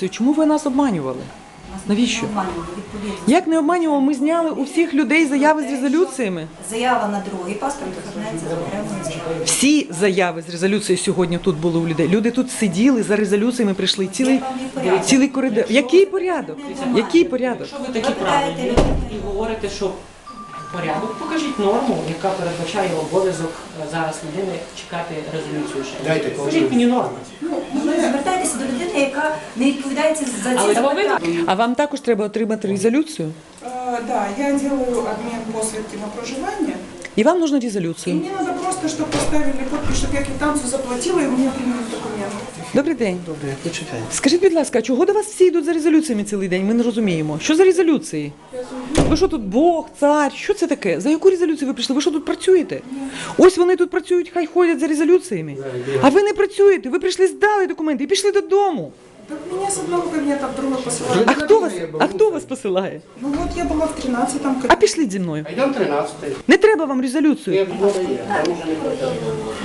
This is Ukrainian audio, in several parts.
резолюцію. Чому ви нас обманювали? Навіщо? Як не обманювали? Ми зняли у всіх людей заяви з резолюціями. Заява на другий паспорт оформляється за окремою заявою. Всі заяви з резолюцією сьогодні тут були у людей. Люди тут сиділи, за резолюціями прийшли. Цілий коридор. Який порядок? Який порядок? Якщо ви такі правильні і говорите, що порядок, покажіть норму, яка передбачає обов'язок зараз людини чекати резолюцію ще. Скажіть мені норму. Ви звертаєтеся до людини, яка не відповідає за ці запитання. А вам також треба отримати резолюцію? Да, я делаю обмен посвідки на проживание. І вам нужна И резолюцію. мне надо просто, чтобы поставили подпись, чтобы я квитанцию заплатила, и мне приняли документы. Добрий день. Добре, почекай. Скажіть, будь ласка, а чого до вас всі йдуть за резолюціями цілий день? Ми не розуміємо. Що за резолюції? Ви що тут Бог, цар? Що це таке? За яку резолюцію ви прийшли? Ви що тут працюєте? Ось вони тут працюють, хай ходять за резолюціями. А ви не працюєте, ви прийшли, здали документи і пішли додому. Так меня с одного кабинета в другой посылают. А хто вас посилає? Ну вот я была в 13-м А кабинете. пішли зі мною. Йдемо 13-й. Не треба вам резолюцію. Як вода є, там уже не пройде.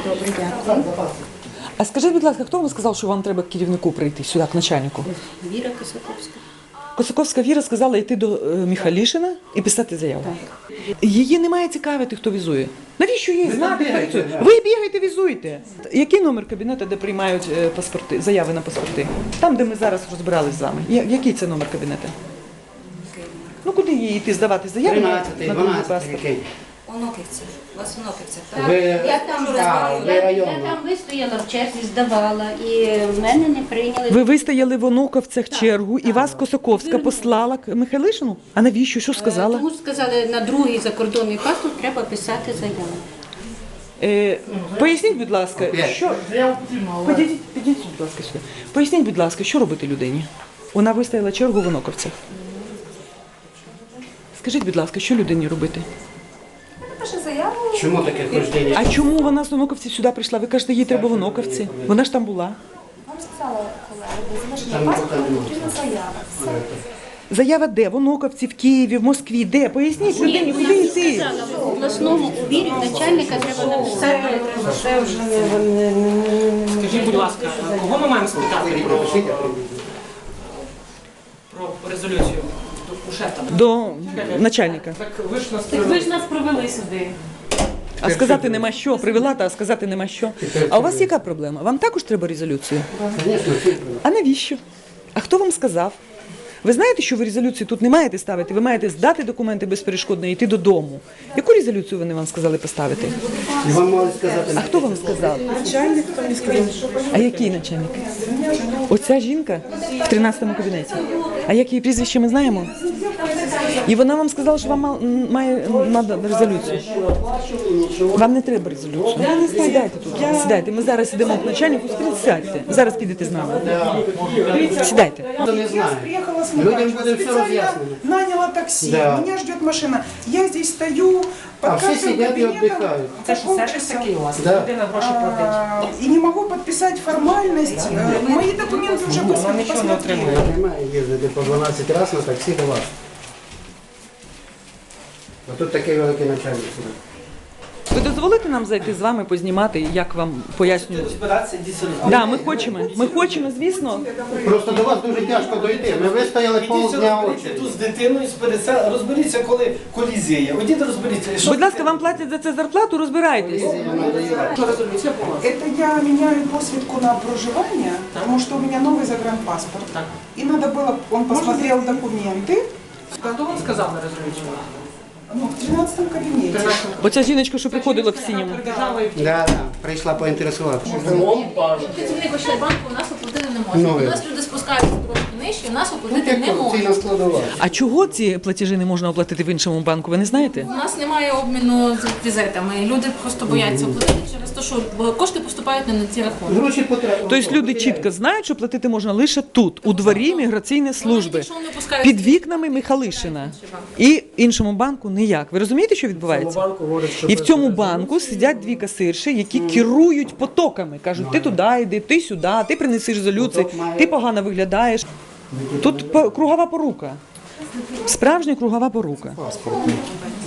А скажіть, будь ласка, хто вам сказав, що вам треба к керівнику прийти сюди, к начальнику? Віра Косаковська. Косаковська Віра сказала йти до Михайлішина і писати заяву. Її не має цікавити, хто візує. Навіщо їй знати, хто візує? Ви бігаєте, візуєте. Який номер кабінету, де приймають паспорти, заяви на паспорти? Там, де ми зараз розбирались з вами. Який це номер кабінету? Ну, куди їй йти здавати заяву на 13-й, другий 12-й, паспорт? який? Оноківці. У вас Оноківці, так? Ви, Я там, ви я районно. там вистояла в черзі, здавала, і в мене не прийняли. Ви вистояли в Онуковцях чергу, і вас Косаковська послала к Михайлишину? А навіщо? Що сказала? Тому сказали, на другий закордонний паспорт треба писати заяву. Поясніть, будь ласка, Опять. що... Підійдіть, будь ласка, сюди. Поясніть, будь ласка, що робити людині? Вона вистояла чергу в Онуковцях. Скажіть, будь ласка, що людині робити? Напише заяву. Чому таке хождення? А чому вона з Онуковців сюди прийшла? Ви кажете, їй треба в Онуковці. Вона ж там була. Вам сказала колега, до завершення Там паспорта нікого немає. потрібна заява. Все. Заява де? В Онуковці, в Києві, в Москві. Де? Поясніть людині, куди йти? В обласному увірі начальника треба написати. Це вже не... Скажіть, будь ласка, кого ми маємо спитати про резолюцію? У шефа. До начальника. Так ви ж нас Ви ж нас провели сюди. А сказати нема що. Привела, а сказати нема що. А у вас яка проблема? Вам також треба резолюцію? Звісно, А навіщо? А хто вам сказав? Ви знаєте, що ви резолюцію тут не маєте ставити? Ви маєте здати документи безперешкодно і йти додому. Яку резолюцію вони вам сказали поставити? і вам можуть сказати, А хто вам сказав? Начальник там не сказал. А який начальник? Оця жінка в 13-му кабінеті. А як її прізвище ми знаємо? І вона вам сказала, що вам має надо резолюцію. Вам не треба резолюцію. Сідайте тут. Сідайте. Ми зараз йдемо к начальнику. Сядьте. Зараз підете з нами. Сідайте. хто не знає. Приехала с Людям Мукачева, буде все специально роз'яснено. наняла такси, Да. меня ждет машина. Я здесь стою под А всі каждым сидять і кабинетом віддихають. Це ж сервіс полчаса. такий у вас, Да. людина гроші платить. И не могу подписать формальность. Мои документы уже Вона нічого не посмотрели. отримує. Немає їздити по 12 разів на таксі до вас. А тут такий великий начальник. Ви дозволите нам зайти з вами, познімати, як вам пояснюють? Да, ми хочемо, звісно. Просто до вас дуже тяжко дойти. Ми вистояли полдня очі. Тут з дитиною розберіться, коли колізія. Одіть розберіться. Що Будь ласка, вам платять за це зарплату, розбирайтесь. Это я меняю посвідку на проживание, потому что у меня новый загранпаспорт. И надо было, он посмотрел документы. Хто вам сказав на резолюцію? Ну, в 13-м кабинете. Оця жіночка, що приходила в синьому. Да, прийшла поінтересуватися. Працівник Ощадбанку у нас оплатити не може. Ну, У нас люди спускаються трошки нижче, у нас Тут оплатити не як можуть. ціна складова. А чого ці платежі не можна оплатити в іншому банку, ви не знаєте? У нас немає обміну з візитами. Люди просто бояться оплатити через те, що кошти поступають не на ті рахунки. Гроші потреби. Тобто люди чітко знають, що платити можна лише тут, у дворі міграційної служби, Якщо вони пускають під вікнами Михайлишина. І іншому банку ніяк. Ви розумієте, що відбувається? І в цьому банку сидять дві касирші, які керують потоками. Кажуть, ти туди йди, ти сюди, ти принеси резолюцію, ти погано виглядаєш. Тут кругова порука. Справжня кругова порука.